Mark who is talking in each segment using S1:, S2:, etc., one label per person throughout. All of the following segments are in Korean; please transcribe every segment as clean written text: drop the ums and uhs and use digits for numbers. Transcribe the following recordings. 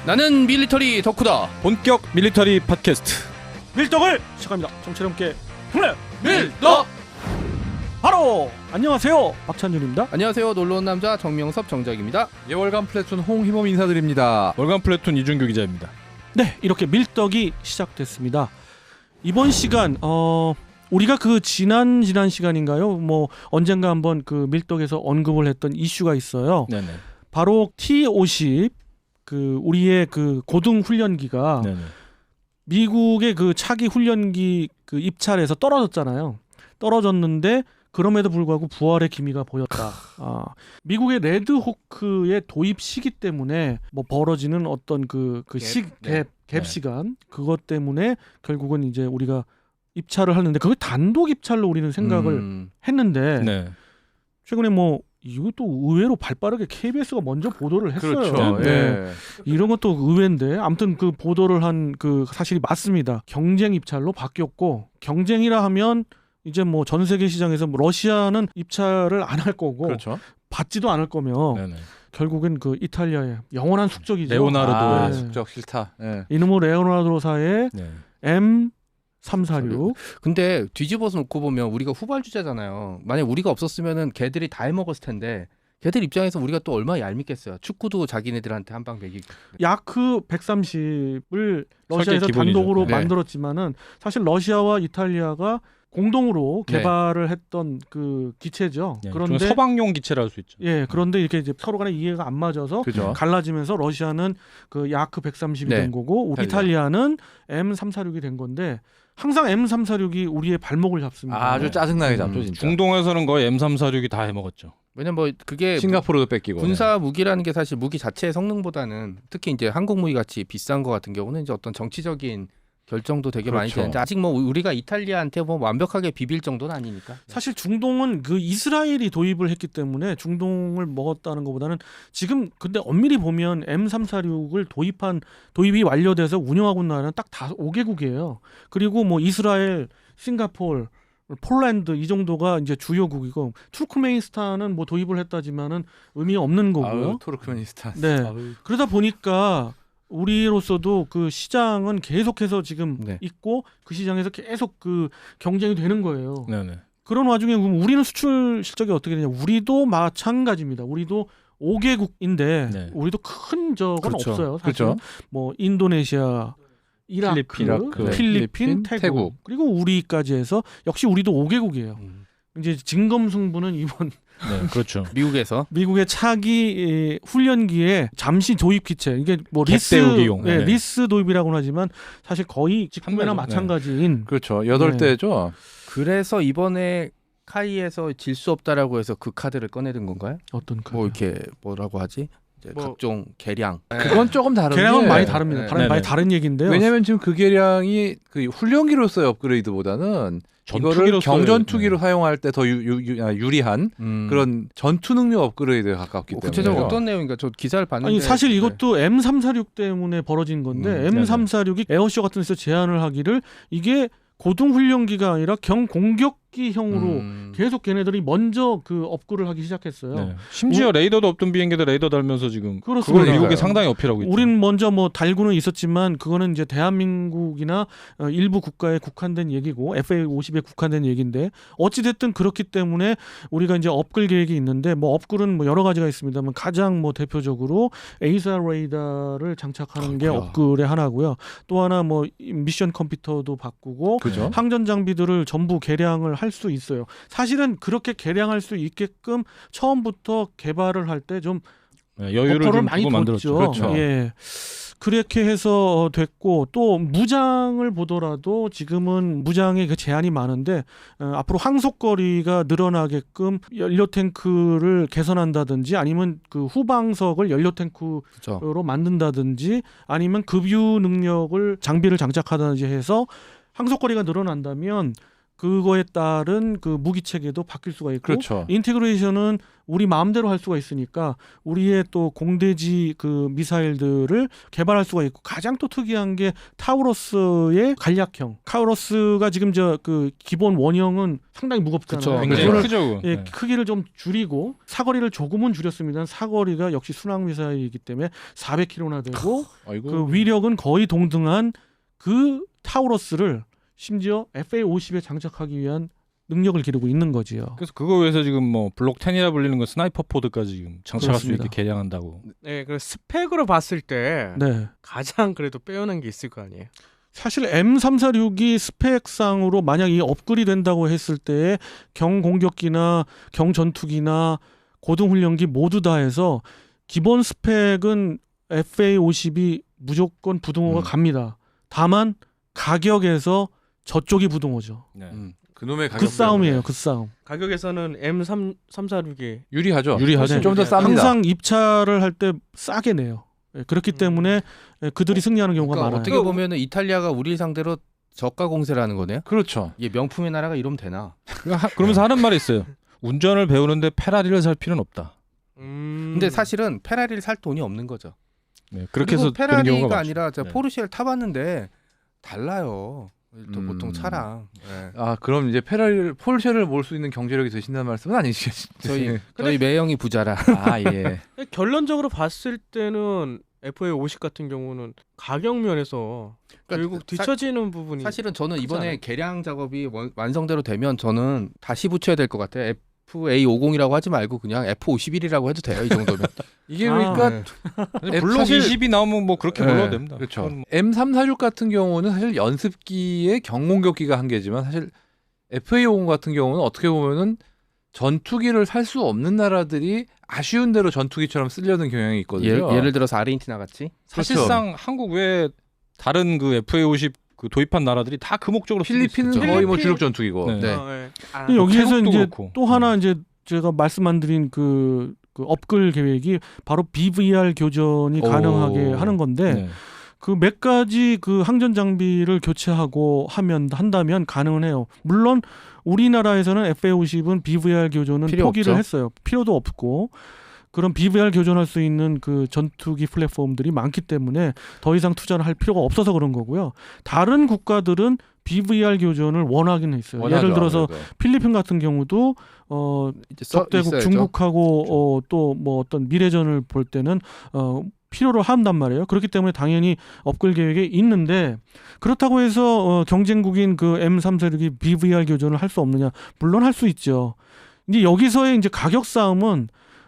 S1: 나는 밀리터리 덕후다.
S2: 본격 밀리터리 팟캐스트
S3: 밀떡을 시작합니다. 정치 함께
S1: 밀떡.
S3: 바로 안녕하세요, 박찬준입니다.
S1: 안녕하세요. 놀러온 남자 정명섭 정작입니다.
S4: 예, 월간 플래툰 홍희범 인사드립니다.
S2: 월간 플래툰 이준규 기자입니다.
S3: 네, 이렇게 밀떡이 시작됐습니다. 이번 시간 우리가 그 지난 시간인가요? 뭐 언젠가 한번 그 밀떡에서 언급을 했던 이슈가 있어요.
S2: 네네.
S3: 바로 T-50 그 우리의 그 고등 훈련기가
S2: 네네.
S3: 미국의 그 차기 훈련기 그 입찰에서 떨어졌잖아요. 떨어졌는데 그럼에도 불구하고 부활의 기미가 보였다. 미국의 레드호크의 도입 시기 때문에 뭐 벌어지는 어떤 갭 시간 그것 때문에 결국은 이제 우리가 입찰을 하는데 그걸 단독 입찰로 우리는 생각을 했는데
S2: 네.
S3: 최근에 뭐 이것도 의외로 발빠르게 KBS가 먼저 보도를 했어요.
S4: 그렇죠.
S3: 네.
S4: 예.
S3: 이런 것도 의외인데 아무튼 그 보도를 한 그 사실이 맞습니다. 경쟁 입찰로 바뀌었고 경쟁이라 하면 이제 뭐 전 세계 시장에서 뭐 러시아는 입찰을 안 할 거고
S4: 그렇죠.
S3: 받지도 않을 거며
S2: 네네.
S3: 결국엔 그 이탈리아의 영원한 숙적이죠.
S2: 레오나르도.
S3: 네.
S4: 숙적 싫다. 예.
S3: 이놈의 레오나르도사의
S2: 네.
S3: M346.
S1: 근데 뒤집어서 놓고 보면 우리가 후발주자잖아요. 만약 우리가 없었으면은 걔들이 다 해먹었을 텐데 걔들 입장에서 우리가 또 얼마나 얄밉겠어요. 축구도 자기네들한테 한 방 매기고.
S3: 야크 130을 러시아에서
S2: 설계 기본이죠.
S3: 단독으로
S4: 네.
S3: 만들었지만은 사실 러시아와 이탈리아가 공동으로
S1: 네.
S3: 개발을 했던 그 기체죠.
S2: 네.
S3: 그런데
S2: 서방용 기체라 할 수 있죠.
S3: 예, 그런데 이렇게 이제 서로 간에 이해가 안 맞아서
S4: 그죠.
S3: 갈라지면서 러시아는 그 야크 130이
S1: 네.
S3: 된 거고 이탈리아는 M346이 된 건데 항상 M346이 우리의 발목을 잡습니다.
S4: 아주 짜증나게 잡죠, 진짜.
S2: 중동에서는 거의 M346이 다 해먹었죠.
S1: 왜냐면 뭐 그게
S4: 싱가포르도 뺏기고.
S1: 군사 무기라는 게 사실 무기 자체의 성능보다는 특히 이제 한국 무기 같이 비싼 거 같은 경우는 이제 어떤 정치적인 결정도 되게 많이
S4: 그렇죠.
S1: 되는데 아직 뭐 우리가 이탈리아한테 뭐 완벽하게 비빌 정도는 아니니까.
S3: 사실 중동은 그 이스라엘이 도입을 했기 때문에 중동을 먹었다는 것보다는 지금 근데 엄밀히 보면 M346을 도입이 완료돼서 운영하고 있는 나라는 딱 5개국이에요. 그리고 뭐 이스라엘, 싱가포르, 폴란드 이 정도가 이제 주요국이고 투르크메니스탄은 뭐 도입을 했다지만은 의미 없는 거고요.
S4: 아유, 투르크메니스탄.
S3: 네.
S4: 아유.
S3: 그러다 보니까 우리로서도 그 시장은 계속해서 지금
S1: 네.
S3: 있고 그 시장에서 계속 그 경쟁이 되는 거예요.
S2: 네네.
S3: 그런 와중에 우리는 수출 실적이 어떻게 되냐? 우리도 마찬가지입니다. 우리도 5개국인데
S2: 네.
S3: 우리도 큰 적은
S2: 그렇죠.
S3: 없어요. 사실
S4: 그렇죠.
S3: 뭐 인도네시아, 이라크,
S4: 이라크,
S3: 필리핀,
S4: 태국.
S3: 태국 그리고 우리까지 해서 역시 우리도 5개국이에요. 이제 진검승부는 이번
S2: 네, 그렇죠.
S1: 미국에서
S3: 미국의 차기 훈련기에 잠시 도입 기체 이게 뭐 리스
S2: 갯대우기용.
S3: 예,
S2: 네.
S3: 리스 도입이라고는 하지만 사실 거의 직구매나
S2: 한
S3: 마찬가지인
S4: 그렇죠. 8대죠.
S1: 그래서 이번에 카이에서 질 수 없다라고 해서 그 카드를 꺼내든 건가요?
S3: 어떤 그
S1: 뭐 이렇게 뭐라고 하지? 이제
S4: 뭐-
S1: 각종 계량.
S4: 그건 조금 다른데.
S3: 계량은 많이 다릅니다.
S1: 네.
S3: 많이 다른 얘기인데요.
S4: 왜냐면 지금 그 계량이 그 훈련기로서의 업그레이드보다는 이거를
S2: 전투기로서의-
S4: 경전투기로
S2: 네.
S4: 사용할 때 더 유리한 그런 전투 능력 업그레이드에 가깝기 때문에.
S1: 구체적으로 어떤 내용인가? 저 기사를 봤는데.
S3: 아니 사실 이것도 M346 때문에 벌어진 건데 M346이 에어쇼 같은 데서 제안을 하기를 이게 고등 훈련기가 아니라 경공격기형으로 계속 걔네들이 먼저 그 업그를 하기 시작했어요.
S2: 네. 심지어 레이더도 없던 비행기들 레이더 달면서 지금
S3: 그렇습니다.
S2: 그걸 미국이 상당히 어필하고 있죠.
S3: 우린 먼저 뭐 달고는 있었지만 그거는 이제 대한민국이나 일부 국가에 국한된 얘기고 FA-50에 국한된 얘기인데 어찌 됐든 그렇기 때문에 우리가 이제 업글 계획이 있는데 뭐 업글은 뭐 여러 가지가 있습니다만 가장 뭐 대표적으로 에이사 레이더를 장착하는 게 업글의 하나고요. 또 하나 뭐 미션 컴퓨터도 바꾸고
S4: 그죠?
S3: 항전 장비들을 전부 개량을 할 수 있어요. 사실은 그렇게 개량할 수 있게끔 처음부터 개발을 할 때 좀
S2: 네, 여유를
S3: 버퍼를
S2: 좀
S3: 많이
S2: 두고 만들었죠.
S3: 뒀죠.
S4: 그렇죠.
S3: 예. 그렇게 해서 됐고 또 무장을 보더라도 지금은 무장의 그 제한이 많은데 앞으로 항속거리가 늘어나게끔 연료 탱크를 개선한다든지 아니면 그 후방석을 연료 탱크로
S1: 그렇죠.
S3: 만든다든지 아니면 급유 능력을 장비를 장착하든지 해서 항속거리가 늘어난다면 그거에 따른 그 무기 체계도 바뀔 수가 있고
S4: 그렇죠.
S3: 인티그레이션은 우리 마음대로 할 수가 있으니까 우리의 또 공대지 그 미사일들을 개발할 수가 있고 가장 또 특이한 게 타우러스의 간략형. 타우러스가 지금 저 그 기본 원형은 상당히 무겁잖아요.
S1: 그쵸.
S2: 굉장히
S3: 그거를
S2: 크죠.
S3: 예,
S2: 네.
S3: 크기를 좀 줄이고 사거리를 조금은 줄였습니다. 사거리가 역시 순항 미사일이기 때문에 400km나 되고
S2: 아이고.
S3: 그 위력은 거의 동등한 그 타우러스를 심지어 FA-50에 장착하기 위한 능력을 기르고 있는 거지요.
S2: 그래서 그거 위해서 지금 뭐 블록 10이라 불리는 거 스나이퍼 포드까지 지금 장착할
S3: 그렇습니다.
S2: 수 있게 개량한다고.
S5: 네, 그 스펙으로 봤을 때
S3: 네.
S5: 가장 그래도 빼어난 게 있을 거 아니에요.
S3: 사실 M346이 스펙상으로 만약 이 업글이 된다고 했을 때 경공격기나 경전투기나 고등훈련기 모두 다 해서 기본 스펙은 FA-50이 무조건 부등호가 갑니다. 다만 가격에서 저쪽이 부등호죠.
S2: 네.
S4: 그놈의 가격
S3: 그 싸움이에요. 그 싸움.
S5: 가격에서는 M346이
S4: 유리하죠.
S2: 유리하죠.
S3: 네.
S4: 좀 더 쌉니다.
S3: 항상 입찰을 할 때 싸게 내요. 예, 그렇기 때문에 그들이 승리하는 경우가
S1: 그러니까
S3: 많아요.
S1: 어떻게 보면은 이탈리아가 우리를 상대로 저가 공세를 하는 거네요.
S4: 그렇죠.
S1: 이게 명품의 나라가 이러면 되나?
S2: 그러면서 하는 말이 있어요. 운전을 배우는데 페라리를 살 필요는 없다.
S1: 근데 사실은 페라리를 살 돈이 없는 거죠.
S2: 네, 그렇게
S1: 그리고
S2: 해서 되는 경우가
S1: 페라리가
S2: 많죠.
S1: 아니라 저
S2: 네.
S1: 포르쉐를 타봤는데 달라요. 또 보통 차랑. 네.
S4: 아 그럼 이제 폴쉐를 몰 수 있는 경제력이 되신다는 말씀은 아니시겠죠?
S1: 저희 매형이 부자라.
S4: 아 예.
S5: 결론적으로 봤을 때는 FA-50 같은 경우는 가격 면에서 결국 뒤처지는 부분이
S1: 사실은 저는
S5: 크지
S1: 이번에
S5: 않아요?
S1: 개량 작업이 완성대로 되면 저는 다시 붙여야 될 것 같아요. FA50이라고 하지 말고 그냥 F51이라고 해도 돼요. 이 정도면.
S4: 이게
S3: 아,
S4: 그러니까
S2: 네. 블록
S4: 사실-
S2: 20이 나오면 뭐 그렇게
S4: 네,
S2: 불러도 됩니다.
S4: 그렇죠.
S2: 그건 뭐-
S4: M346 같은 경우는 사실 연습기의 경공격기가 한계지만 사실 FA50 같은 경우는 어떻게 보면은 전투기를 살 수 없는 나라들이 아쉬운 대로 전투기처럼 쓰려는 경향이 있거든요.
S1: 예를 들어서 아르헨티나 같이.
S2: 사실상 한국 외에 다른 그 FA-50 그 도입한 나라들이 다 그 목적으로 쓰고
S4: 필리핀은
S2: 있었죠.
S4: 거의 뭐
S5: 필리핀-
S4: 주력 전투기고.
S2: 네.
S1: 네.
S3: 근데 여기에서
S2: 태국도
S3: 이제
S2: 그렇고.
S3: 또 하나 이제 제가 말씀 안 드린 그 업글 계획이 바로 BVR 교전이
S4: 오.
S3: 가능하게 하는 건데
S2: 네.
S3: 그 몇 가지 그 항전 장비를 교체하고 한다면 가능은 해요. 물론 우리나라에서는 FA-50은 BVR 교전은
S1: 필요
S3: 포기를
S1: 없죠.
S3: 했어요. 필요도 없고 그런 BVR 교전할 수 있는 그 전투기 플랫폼들이 많기 때문에 더 이상 투자를 할 필요가 없어서 그런 거고요. 다른 국가들은 BVR 교전을 원하긴 있어요.
S4: 원하죠,
S3: 예를 들어서
S4: 아무래도.
S3: 필리핀 같은 경우도
S1: 이제
S3: 적대국
S1: 있어야죠.
S3: 중국하고 또 뭐 어떤 미래전을 볼 때는 필요로 한단 말이에요. 그렇기 때문에 당연히 업글 계획에 있는데 그렇다고 해서 경쟁국인 그 M346이 BVR 교전을 할 수 없느냐? 물론 할 수 있죠. 이제 여기서의 이제 가격 싸움은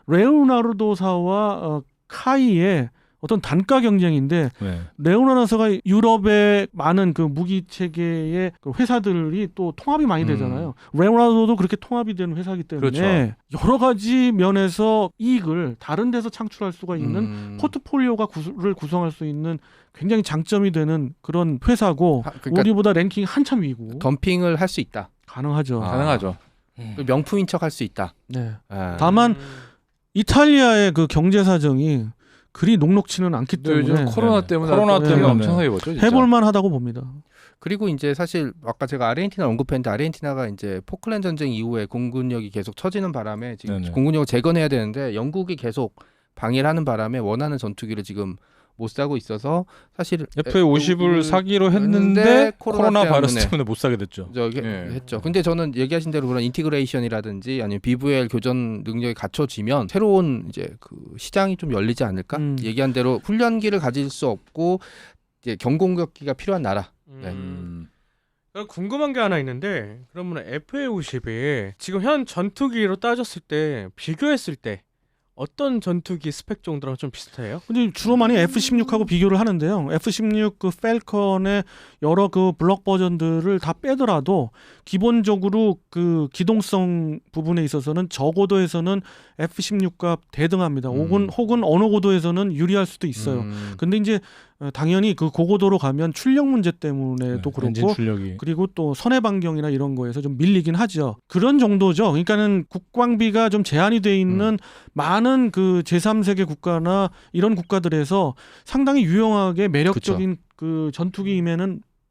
S3: 레오나르도사와 카이의 어떤 단가 경쟁인데
S2: 네.
S3: 레오나르도사가 유럽의 많은 그 무기 체계의 그 회사들이 또 통합이 많이 되잖아요. 레오나르도도 그렇게 통합이 되는 회사이기 때문에
S4: 그렇죠.
S3: 여러 가지 면에서 이익을 다른 데서 창출할 수가 있는 포트폴리오가 를 구성할 수 있는 굉장히 장점이 되는 그런 회사고
S1: 그러니까
S3: 우리보다 랭킹 한참 위고
S1: 덤핑을 할 수 있다.
S3: 가능하죠.
S1: 아.
S4: 가능하죠.
S1: 명품인 척 할 수 있다.
S3: 네.
S1: 아.
S3: 다만 이탈리아의 그 경제 사정이 그리 녹록치는 않기
S4: 근데 요즘
S3: 때문에
S4: 코로나
S2: 네.
S4: 때문에
S2: 코로나
S4: 돈이
S3: 때문에
S4: 엄청나게 벌죠. 진짜.
S3: 해볼만하다고 봅니다.
S1: 그리고 이제 사실 아까 제가 아르헨티나 언급했는데 아르헨티나가 이제 포클랜드 전쟁 이후에 공군력이 계속 처지는 바람에 지금
S2: 네네.
S1: 공군력을 재건해야 되는데 영국이 계속 방해를 하는 바람에 원하는 전투기를 지금 못 사고 있어서 사실
S2: FA-50을 사기로 했는데 코로나 바이러스 때문에 못 사게 됐죠.
S1: 저기
S4: 예.
S1: 했죠. 근데 저는 얘기하신 대로 그런 인티그레이션이라든지 아니면 BVL 교전 능력이 갖춰지면 새로운 이제 그 시장이 좀 열리지 않을까? 얘기한 대로 훈련기를 가질 수 없고 이제 경공격기가 필요한 나라. 네.
S5: 궁금한 게 하나 있는데 그러면 FA-50이 지금 현 전투기로 따졌을 때 비교했을 때 어떤 전투기 스펙 정도랑 좀 비슷해요?
S3: 근데 주로 많이 F-16하고 비교를 하는데요. F-16 그 펠컨의 여러 그 블록 버전들을 다 빼더라도 기본적으로 그 기동성 부분에 있어서는 저고도에서는 F-16과 대등합니다. 혹은 어느 고도에서는 유리할 수도 있어요. 근데 이제 당연히 그 고고도로 가면 출력 문제 때문에도
S2: 엔진
S3: 그렇고
S2: 출력이.
S3: 그리고 또 선해 반경이나 이런 거에서 좀 밀리긴 하죠. 그런 정도죠. 그러니까는 국방비가 좀 제한이 돼 있는 많은 그 제3세계 국가나 이런 국가들에서 상당히 유용하게 매력적인 그 전투기임에는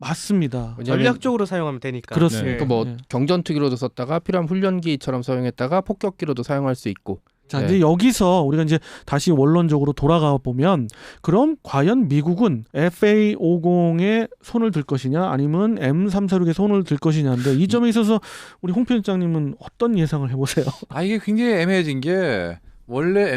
S3: 맞습니다.
S1: 왜냐하면
S5: 전략적으로 사용하면 되니까.
S3: 그렇습니다.
S5: 예.
S1: 뭐
S3: 예.
S1: 경전투기로도 썼다가 필요한 훈련기처럼 사용했다가 폭격기로도 사용할 수 있고.
S3: 자,
S1: 네.
S3: 이제 여기서 우리가 이제 다시 원론적으로 돌아가 보면 그럼 과연 미국은 FA50에 손을 들 것이냐 아니면 M346에 손을 들 것이냐인데 이 점에 있어서 우리 홍 편집장님은 어떤 예상을 해보세요?
S4: 이게 굉장히 애매해진 게 원래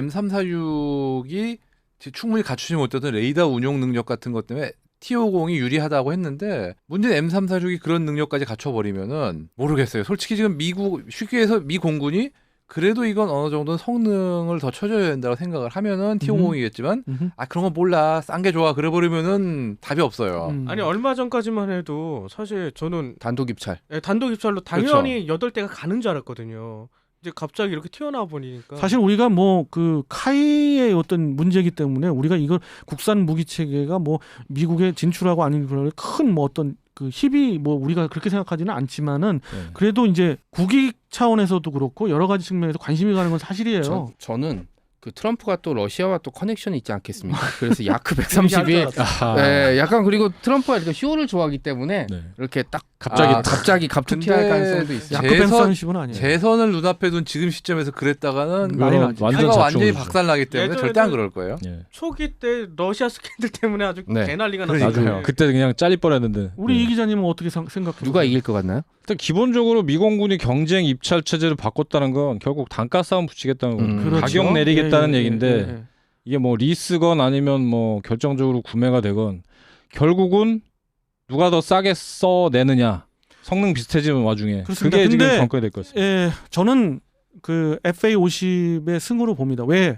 S4: M346이 충분히 갖추지 못했던 레이더 운용 능력 같은 것 때문에 T50이 유리하다고 했는데 문제는 M346이 그런 능력까지 갖춰버리면은 모르겠어요. 솔직히 지금 미국 쉽게 해서 미 공군이 그래도 이건 어느 정도는 성능을 더 쳐줘야 된다고 생각을 하면은 T50이겠지만 그런 거 몰라 싼 게 좋아 그래버리면은 답이 없어요.
S5: 아니 얼마 전까지만 해도 사실 저는
S1: 단독 입찰.
S5: 단독 입찰로 당연히 8대가 가는 줄 알았거든요. 이제 갑자기 이렇게 튀어나와 보니까
S3: 사실 우리가 뭐 그 카이의 어떤 문제이기 때문에 우리가 이걸 국산 무기 체계가 뭐 미국에 진출하고 아닌 큰 뭐 어떤 그 힘이 뭐 우리가 그렇게 생각하지는 않지만은 그래도 이제 국익 차원에서도 그렇고 여러 가지 측면에서 관심이 가는 건 사실이에요.
S1: 저는 그 트럼프가 또 러시아와 또 커넥션이 있지 않겠습니까? 그래서 야크 130이 네, 약간 그리고 트럼프가 이렇게 쇼를 좋아하기 때문에
S2: 네.
S1: 이렇게 딱
S2: 갑자기
S1: 갑툭튀할 가능성도 있어요.
S3: 야크 130은 아니에요.
S4: 재선을 눈앞에 둔 지금 시점에서 그랬다가는
S3: 난리 나지.
S2: 완전
S4: 표가 완전히
S2: 잡종이죠.
S4: 박살나기 때문에
S5: 예전에도-
S4: 절대 안 그럴 거예요.
S2: 예.
S5: 초기 때 러시아 스캔들 때문에 아주
S1: 네.
S5: 개난리가
S4: 그러니까요.
S5: 났어요.
S2: 나중에 그때 그냥 잘릴 뻔했는데.
S3: 우리
S2: 예.
S3: 이 기자님은 어떻게 생각해요?
S1: 누가 이길 것 같나요?
S2: 일단 기본적으로 미공군이 경쟁 입찰 체제를 바꿨다는 건 결국 단가 싸움 붙이겠다는 거예요.
S1: 그렇죠.
S2: 가격 내리겠다는
S3: 예, 예,
S2: 얘기인데
S3: 예, 예.
S2: 이게 뭐 리스건 아니면 뭐 결정적으로 구매가 되건 결국은 누가 더 싸게 써내느냐 성능 비슷해지는 와중에
S3: 그렇습니다.
S2: 그게 지금
S3: 근데
S2: 관건이 될 것 같습니다.
S3: 예, 저는 그 FA50의 승으로 봅니다. 왜?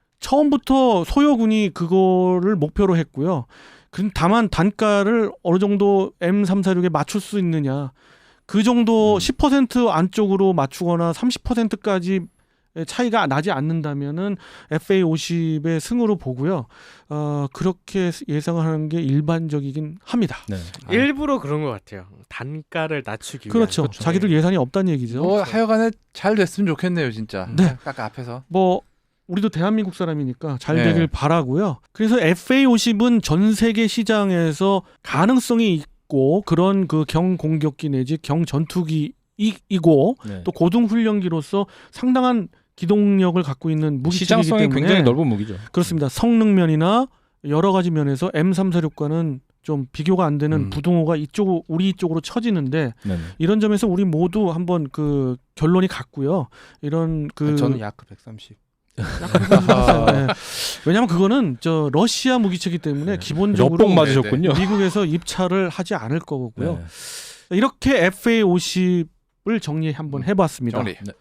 S3: 처음부터 소요군이 그거를 목표로 했고요. 다만 단가를 어느 정도 M346에 맞출 수 있느냐. 그 정도 10% 안쪽으로 맞추거나 30%까지 차이가 나지 않는다면은 FA50의 승으로 보고요. 그렇게 예상을 하는 게 일반적이긴 합니다.
S2: 네.
S5: 일부러 그런 것 같아요. 단가를 낮추기 위한.
S3: 그렇죠. 자기들 예산이 없다는 얘기죠.
S4: 뭐 하여간에 잘 됐으면 좋겠네요, 진짜.
S3: 네.
S4: 딱 앞에서.
S3: 뭐 우리도 대한민국 사람이니까 잘
S4: 네.
S3: 되길 바라고요. 그래서 FA50은 전 세계 시장에서 가능성이 있고 그런 그 경공격기 내지 경전투기이고
S2: 네.
S3: 또 고등 훈련기로서 상당한 기동력을 갖고 있는 무기체계이기
S2: 시장성이
S3: 때문에
S2: 굉장히 넓은 무기죠.
S3: 그렇습니다. 성능면이나 여러 가지 면에서 M346과는 좀 비교가 안 되는 부동호가 우리 쪽으로 처지는데
S2: 네네.
S3: 이런 점에서 우리 모두 한번 그 결론이 같고요. 이런 그
S1: 저는 야크 130.
S3: 네. 왜냐하면 그거는 저 러시아 무기체기 때문에 기본적으로
S2: 엿봉 맞으셨군요.
S3: 미국에서 입찰을 하지 않을 거고요.
S2: 네.
S3: 이렇게 FA50을 정리 한번 해봤습니다.
S4: 정리.
S2: 네.